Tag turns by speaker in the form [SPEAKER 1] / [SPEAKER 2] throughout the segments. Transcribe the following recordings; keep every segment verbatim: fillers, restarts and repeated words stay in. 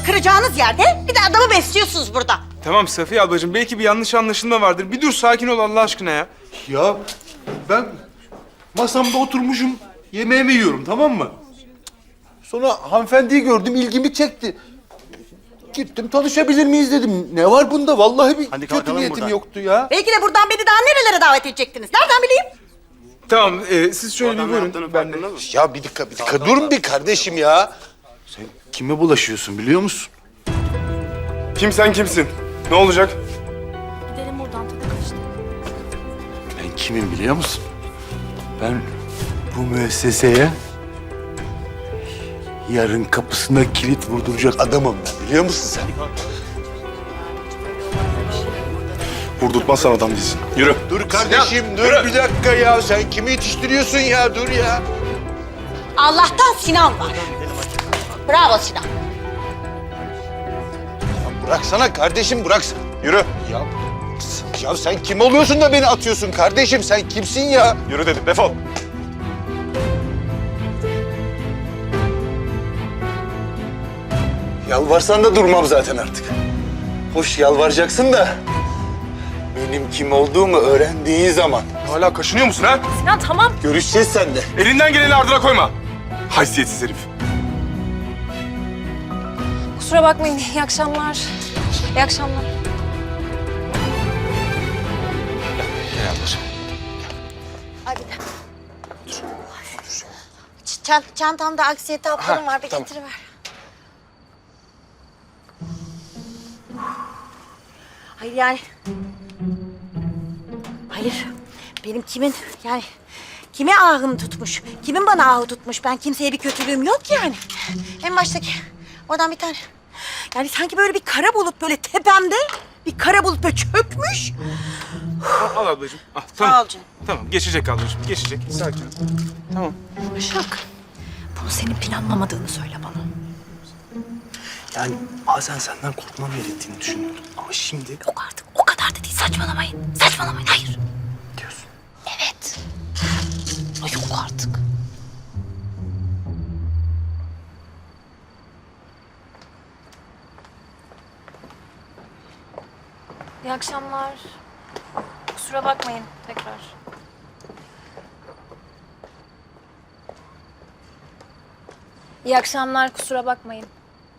[SPEAKER 1] kıracağınız yerde bir de adamı besliyorsunuz burada.
[SPEAKER 2] Tamam Safiye ablacığım, belki bir yanlış anlaşılma vardır. Bir dur, sakin ol Allah aşkına ya.
[SPEAKER 3] Ya ben masamda oturmuşum, yemeğimi yiyorum, tamam mı? Sonra hanımefendiyi gördüm, ilgimi çekti. Gittim, tanışabilir miyiz dedim. Ne var bunda? Vallahi bir
[SPEAKER 4] Hadi
[SPEAKER 3] kötü
[SPEAKER 4] kalkalım
[SPEAKER 3] niyetim
[SPEAKER 4] buradan.
[SPEAKER 3] yoktu ya.
[SPEAKER 1] Belki de buradan beni daha nerelere davet edecektiniz? Nereden bileyim?
[SPEAKER 2] Tamam, e, siz şöyle bir
[SPEAKER 4] Adam ne
[SPEAKER 2] buyurun.
[SPEAKER 4] yaptığının
[SPEAKER 2] Ben de...
[SPEAKER 4] farkında mısın?
[SPEAKER 3] Ya bir dakika, bir dakika. Durun bir kardeşim ya. Sen kime bulaşıyorsun biliyor musun?
[SPEAKER 2] Kim sen kimsin? Ne olacak?
[SPEAKER 5] Gidelim buradan, tadı kaçtı.
[SPEAKER 3] Ben kimim biliyor musun? Ben bu müesseseye yarın kapısına kilit vurduracak adamım ben. Biliyor musun sen?
[SPEAKER 2] Vurdurtmazsan adam değilsin. Yürü.
[SPEAKER 3] Dur kardeşim, dur bir dakika ya. Sen kimi yetiştiriyorsun ya? Dur ya.
[SPEAKER 1] Allah'tan Sinan var. Bravo Sinan.
[SPEAKER 3] Bıraksana kardeşim, bıraksana. Yürü. Ya, ya sen kim oluyorsun da beni atıyorsun kardeşim? Sen kimsin ya?
[SPEAKER 2] Yürü dedim, defol.
[SPEAKER 3] Yalvarsan da durmam zaten artık. Hoş yalvaracaksın da benim kim olduğumu öğrendiğin zaman
[SPEAKER 2] Hala kaşınıyor musun ha?
[SPEAKER 5] Sinan tamam.
[SPEAKER 3] görüşeceğiz seninle.
[SPEAKER 2] Elinden geleni ardına koyma. Haysiyetsiz herif.
[SPEAKER 5] Kusura bakmayın. İyi akşamlar. İyi akşamlar.
[SPEAKER 3] Gel ablacığım.
[SPEAKER 1] Hadi. Çant çantamda aksiyete haplarım var. Bir getiriver. Hayır yani... Hayır. Benim kimin yani... Kime ahım tutmuş? Kimin bana ahı tutmuş? Ben kimseye bir kötülüğüm yok yani. En baştaki oradan bir tane... Yani sanki böyle bir kara bulut böyle tepemde... Bir kara bulut böyle çökmüş.
[SPEAKER 2] Al, al ablacığım. Al, tamam.
[SPEAKER 1] Sağ ol canım.
[SPEAKER 2] Tamam, geçecek ablacığım, geçecek. Sakin ol. Tamam.
[SPEAKER 5] Başak. Bunu senin planlamadığını söyle bana.
[SPEAKER 4] Yani bazen senden korkmam gerektiğini düşünüyordum. Ama şimdi
[SPEAKER 5] Yok artık. O kadar da değil. Saçmalamayın. Saçmalamayın. Hayır.
[SPEAKER 4] diyorsun.
[SPEAKER 5] Evet. Ay yok artık. İyi akşamlar. Kusura bakmayın tekrar. İyi akşamlar. Kusura bakmayın.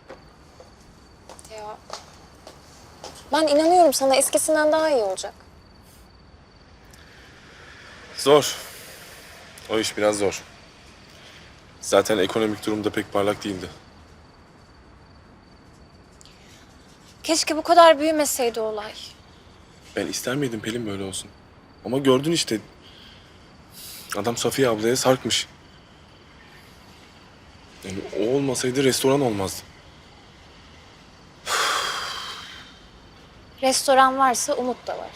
[SPEAKER 5] Ya. Ben inanıyorum sana eskisinden daha iyi olacak.
[SPEAKER 6] Zor. O iş biraz zor. Zaten ekonomik durum da pek parlak değildi.
[SPEAKER 5] Keşke bu kadar büyümeseydi olay.
[SPEAKER 6] Ben ister miydim Pelin böyle olsun? Ama gördün işte. Adam Safiye ablaya sarkmış. Yani o olmasaydı restoran olmazdı.
[SPEAKER 5] Restoran varsa umut da var.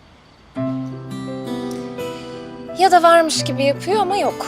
[SPEAKER 5] Ya da varmış gibi yapıyor ama yok.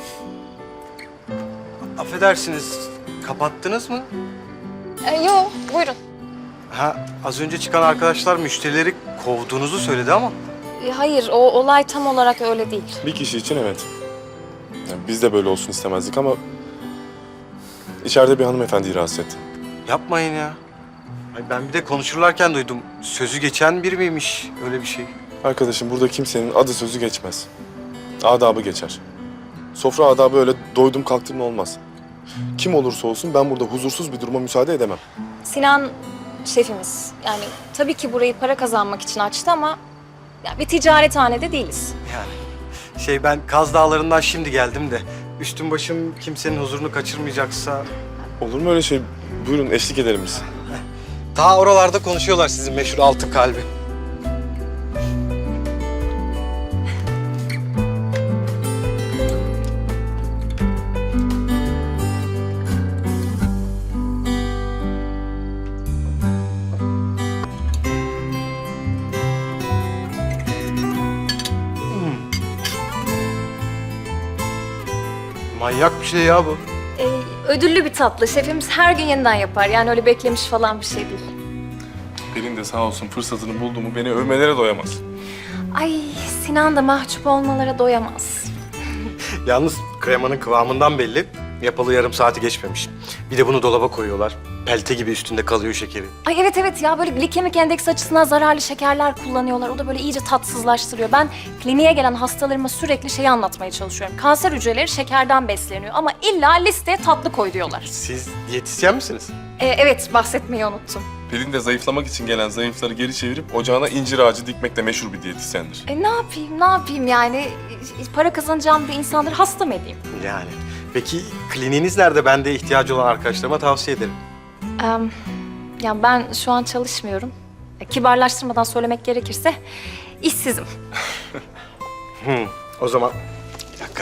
[SPEAKER 4] Affedersiniz, kapattınız mı?
[SPEAKER 5] Ee, yo, buyurun.
[SPEAKER 4] Ha, az önce çıkan arkadaşlar müşterileri kovduğunuzu söyledi ama.
[SPEAKER 5] Ee, hayır, o olay tam olarak öyle değil.
[SPEAKER 6] Bir kişi için evet. Yani biz de böyle olsun istemezdik ama... içeride bir hanımefendiyi rahatsız etti.
[SPEAKER 4] Yapmayın ya. Ay ben bir de konuşurlarken duydum. Sözü geçen biri miymiş öyle bir şey?
[SPEAKER 6] Arkadaşım burada kimsenin adı sözü geçmez. Adabı geçer. Sofra adabı öyle doydum kalktım olmaz. Kim olursa olsun ben burada huzursuz bir duruma müsaade edemem.
[SPEAKER 5] Sinan şefimiz. Yani tabii ki burayı para kazanmak için açtı ama... ya bir ticarethanede değiliz.
[SPEAKER 4] Yani şey ben Kaz Dağları'ndan şimdi geldim de üstüm başım kimsenin huzurunu kaçırmayacaksa...
[SPEAKER 6] Olur mu öyle şey? Buyurun eşlik edelim biz.
[SPEAKER 4] Ta oralarda konuşuyorlar sizin meşhur altın kalbi. Manyak bir şey ya bu.
[SPEAKER 5] Ee, ödüllü bir tatlı. Şefimiz her gün yeniden yapar. Yani öyle beklemiş falan bir şey değil.
[SPEAKER 6] Pelin de sağ olsun fırsatını buldu mu beni övmelere doyamaz.
[SPEAKER 5] Ay Sinan da mahcup olmalara doyamaz.
[SPEAKER 4] Yalnız kremanın kıvamından belli. Yapalı yarım saati geçmemiş. Bir de bunu dolaba koyuyorlar. Pelte gibi üstünde kalıyor şekeri.
[SPEAKER 5] Ay evet evet ya böyle glikemik endeks açısından zararlı şekerler kullanıyorlar. O da böyle iyice tatsızlaştırıyor. Ben kliniğe gelen hastalarıma sürekli şeyi anlatmaya çalışıyorum. Kanser hücreleri şekerden besleniyor ama illa listeye tatlı koy diyorlar.
[SPEAKER 4] Siz diyetisyen misiniz?
[SPEAKER 5] Ee, evet bahsetmeyi unuttum.
[SPEAKER 6] Pelin de zayıflamak için gelen zayıfları geri çevirip ocağına incir ağacı dikmekle meşhur bir diyetisyendir.
[SPEAKER 5] E ne yapayım ne yapayım yani E, para kazanacağım bir insanları hasta mı edeyim?
[SPEAKER 4] Yani. Peki kliniğiniz nerede? Ben de ihtiyacı olan arkadaşlarıma tavsiye ederim.
[SPEAKER 5] Ee, ya ben şu an çalışmıyorum. E, kibarlaştırmadan söylemek gerekirse işsizim.
[SPEAKER 4] Hı, o zaman bir dakika.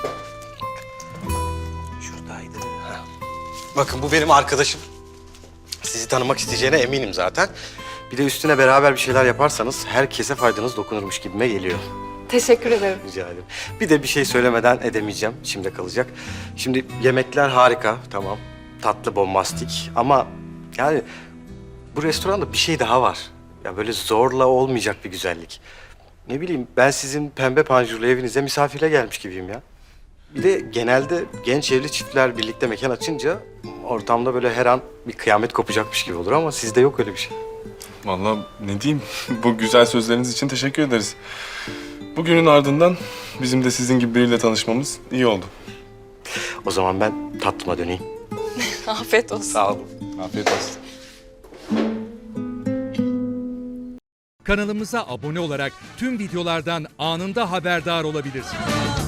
[SPEAKER 4] Şuradaydı. Ha. Bakın bu benim arkadaşım. Sizi tanımak isteyeceğine eminim zaten. Bir de üstüne beraber bir şeyler yaparsanız herkese faydanız dokunurmuş gibime geliyor.
[SPEAKER 5] Teşekkür ederim.
[SPEAKER 4] Rica ederim. Bir de bir şey söylemeden edemeyeceğim. İçimde kalacak. Şimdi yemekler harika, tamam. Tatlı, bombastik ama yani bu restoranda bir şey daha var. Ya böyle zorla olmayacak bir güzellik. Ne bileyim ben sizin pembe panjurlu evinize misafire gelmiş gibiyim ya. Bir de genelde genç evli çiftler birlikte mekan açınca ortamda böyle her an bir kıyamet kopacakmış gibi olur ama sizde yok öyle bir şey.
[SPEAKER 6] Vallahi ne diyeyim, bu güzel sözleriniz için teşekkür ederiz. Bugünün ardından bizim de sizin gibi biriyle tanışmamız iyi oldu.
[SPEAKER 4] O zaman ben tatlıma döneyim.
[SPEAKER 5] Afiyet olsun.
[SPEAKER 4] Sağ olun.
[SPEAKER 6] Afiyet olsun.
[SPEAKER 7] Kanalımıza abone olarak tüm videolardan anında haberdar olabilirsiniz.